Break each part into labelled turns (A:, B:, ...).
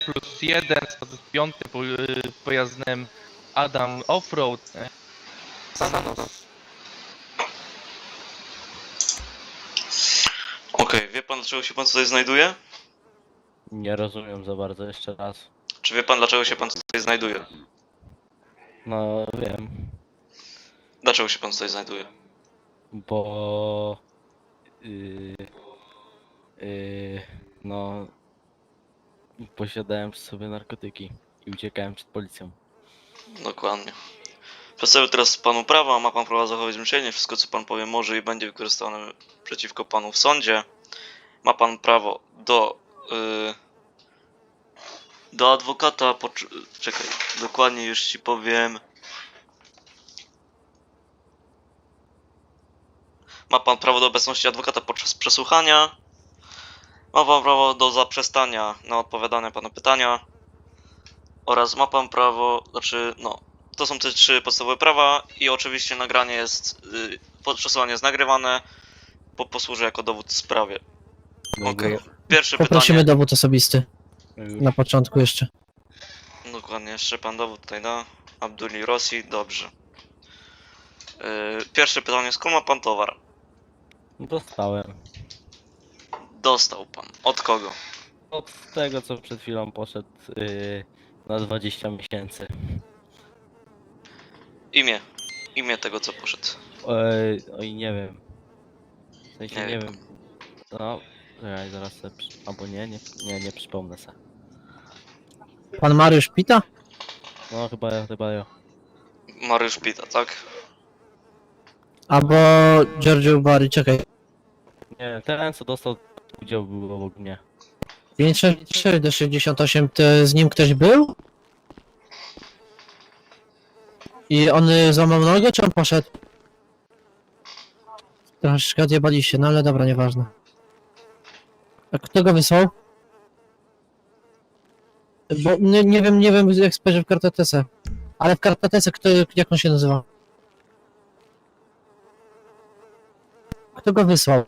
A: +1, 105 pojazdem Adam Offroad.
B: Okej, wie pan dlaczego się pan tutaj znajduje?
C: Nie rozumiem za bardzo, jeszcze raz.
B: Czy wie pan dlaczego się pan tutaj znajduje?
C: No wiem,
B: Dlaczego się pan tutaj znajduje?
C: bo... Yy, yy, no... Posiadałem przy sobie narkotyki i uciekałem przed policją.
B: Dokładnie. Przedstawię teraz panu prawa, ma pan prawo zachować milczenie, wszystko co pan powie może i będzie wykorzystane przeciwko panu w sądzie. Ma pan prawo do adwokata, czekaj, dokładnie już ci powiem. Ma pan prawo do obecności adwokata podczas przesłuchania. Ma pan prawo do zaprzestania na odpowiadanie panu pytania. Oraz ma pan prawo, to są te 3 podstawowe prawa i oczywiście nagranie jest, przesłuchanie jest nagrywane, posłuży jako dowód w sprawie. Okej. Pierwsze
D: Poprosimy
B: pytanie.
D: dowód osobisty. Na początku jeszcze.
B: Dokładnie, jeszcze pan dowód tutaj da. Abduli Rossi, dobrze. Pierwsze pytanie, skąd ma pan towar?
C: Dostałem.
B: Dostał pan. Od kogo?
C: Od tego, co przed chwilą poszedł na 20 miesięcy.
B: Imię. Imię tego, co poszedł.
C: Oj, nie wiem. W sensie
B: Nie
C: nie
B: wie
C: wiem. No, czekaj, zaraz sobie albo nie przypomnę se.
D: Pan Mariusz Pita?
C: No, chyba ja.
B: Mariusz Pita, tak?
D: Albo Giorgio Bari, czekaj.
C: Nie, ten co dostał udział był obok mnie.
D: 563 do 68, to z nim ktoś był? I on złamał nogę, czy on poszedł? Troszeczkę odjebali się, no ale dobra, nieważne. A kto go wysłał? Bo nie wiem jak spojrzę w kartotece. Ale w kartotece jak on się nazywa? Kto go wysłał?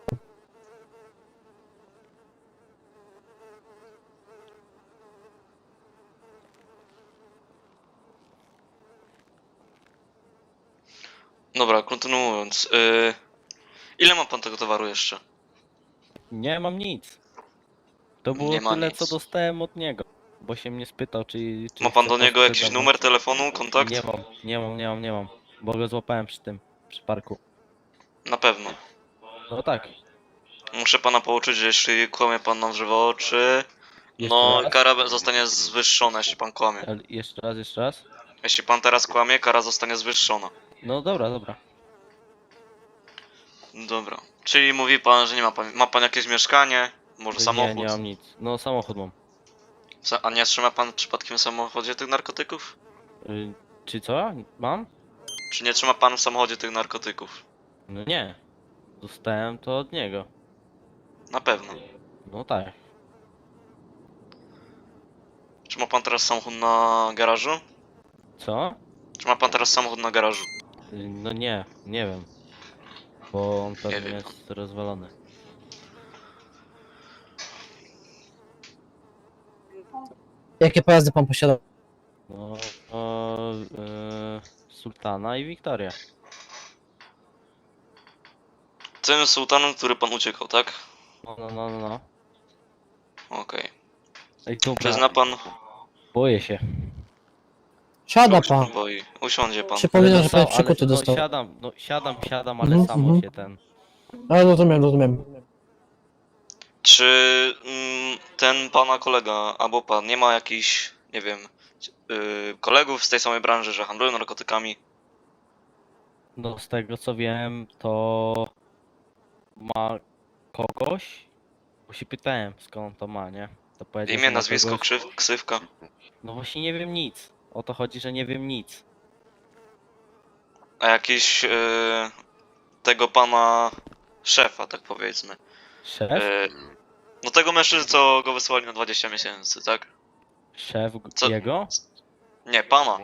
B: Dobra, kontynuując. Ile ma pan tego towaru jeszcze?
C: Nie mam nic. To było
B: Nie ma
C: tyle,
B: nic.
C: co dostałem od niego. Bo się mnie spytał, czy
B: Ma pan
C: chce
B: do niego jakiś
C: sprzedawać.
B: numer telefonu, kontakt?
C: Nie mam. Bo go złapałem przy parku.
B: Na pewno.
C: No tak.
B: Muszę pana pouczyć, że jeśli kłamie pan nam w żywe oczy,
C: Jeszcze
B: no
C: raz?
B: kara zostanie zwyższona, jeśli pan kłamie.
C: Ale jeszcze raz.
B: Jeśli pan teraz kłamie, kara zostanie zwyższona.
C: No dobra.
B: Dobra. Czyli mówi pan, że nie ma pan jakieś mieszkanie, może samochód?
C: Nie mam nic. No samochód mam.
B: A nie trzyma pan przypadkiem w samochodzie tych narkotyków?
C: Czy co? Mam?
B: Czy nie trzyma pan w samochodzie tych narkotyków?
C: No nie. Dostałem to od niego.
B: Na pewno.
C: No tak.
B: Czy ma pan teraz samochód na garażu?
C: Co?
B: Czy ma pan teraz samochód na garażu?
C: No nie wiem. Bo on pewnie
B: wiem.
C: jest rozwalony.
D: Jakie pojazdy pan posiadał?
C: No, Sultana i Wiktoria.
B: Tym sułtanem, który pan uciekał, tak?
C: No.
B: Okej.
C: Ej, dobra,
B: Przyzna pan...
C: boję się.
D: Siada
B: Czego się
D: pan.
B: pan boi? Usiądzie pan.
D: Przypominam, że pan
C: Ale
D: przykuty dostał.
C: siadam, ale
D: Mhm,
C: samo
D: mhm.
C: się ten...
D: Ale rozumiem.
B: Czy ten pana kolega, albo pan, nie ma jakichś, nie wiem, kolegów z tej samej branży, że handlują narkotykami?
C: No z tego co wiem, to ma kogoś, bo się pytałem skąd to ma, nie? To powiedział, że
B: Imię,
C: ma
B: nazwisko,
C: kogoś...
B: ksywka?
C: No właśnie nie wiem nic. O to chodzi, że nie wiem nic.
B: A jakiś tego pana szefa, tak powiedzmy.
C: Szef?
B: No tego mężczyzny, co go wysłali na 20 miesięcy, tak?
C: Szef
B: Co?
C: jego?
B: Nie, pana.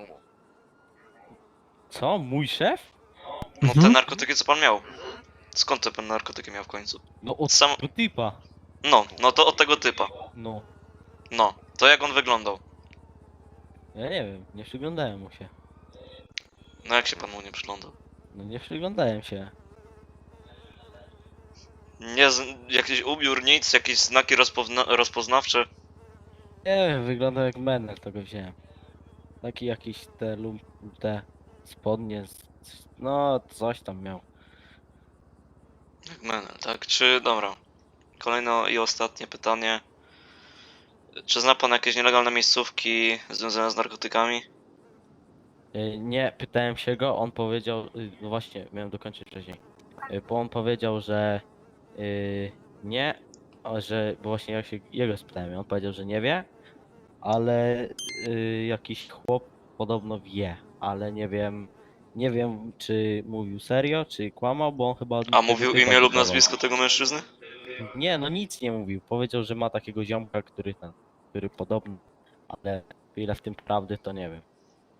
C: Co? Mój szef?
B: No te narkotyki, co pan miał. Skąd te pan narkotyki miał w końcu?
C: No od
B: Sam...
C: tego typa.
B: No to od tego typa.
C: No.
B: No. To jak on wyglądał?
C: Ja nie wiem, nie przyglądałem mu się.
B: No jak się pan mu nie przyglądał?
C: No nie przyglądałem się.
B: Nie, jakiś ubiór, nic, jakieś znaki rozpoznawcze?
C: Nie wiem, wyglądał jak menel, to go wziąłem. Taki jakiś te spodnie, no coś tam miał.
B: Jak menel, tak? Czy, dobra. Kolejne i ostatnie pytanie. Czy zna pan jakieś nielegalne miejscówki związane z narkotykami?
C: Nie, pytałem się go, on powiedział, no właśnie, miałem dokończyć wcześniej. Bo on powiedział, że nie, bo właśnie ja się jego spytałem, on powiedział, że nie wie, ale jakiś chłop podobno wie, ale nie wiem czy mówił serio, czy kłamał, bo on chyba... od
B: A
C: tego
B: mówił
C: typa
B: imię lub
C: kupował.
B: nazwisko tego mężczyzny?
C: Nie, no nic nie mówił, powiedział, że ma takiego ziomka, który podobno, ale ile w tym prawdy, to nie wiem.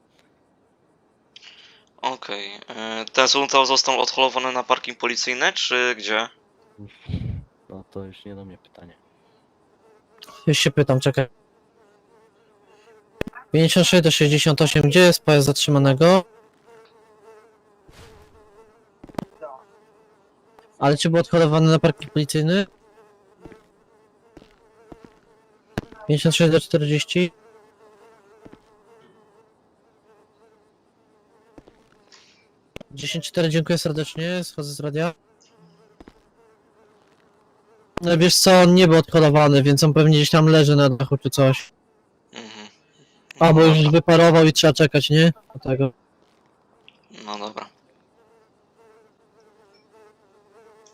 B: Okej. Ten samochód został odholowany na parking policyjny, czy gdzie?
C: No to już nie do mnie pytanie.
D: Już się pytam, czekaj. 56 do 68, gdzie jest pojazd zatrzymanego? Ale czy był odholowany na parking policyjny? 56 do 40. Dziesięć cztery, dziękuję serdecznie, schodzę z radia. No wiesz co, on nie był odholowany, więc on pewnie gdzieś tam leży na dachu czy coś.
B: Mhm.
D: Albo
B: No
D: już
B: dobra.
D: wyparował i trzeba czekać, nie? Do tego.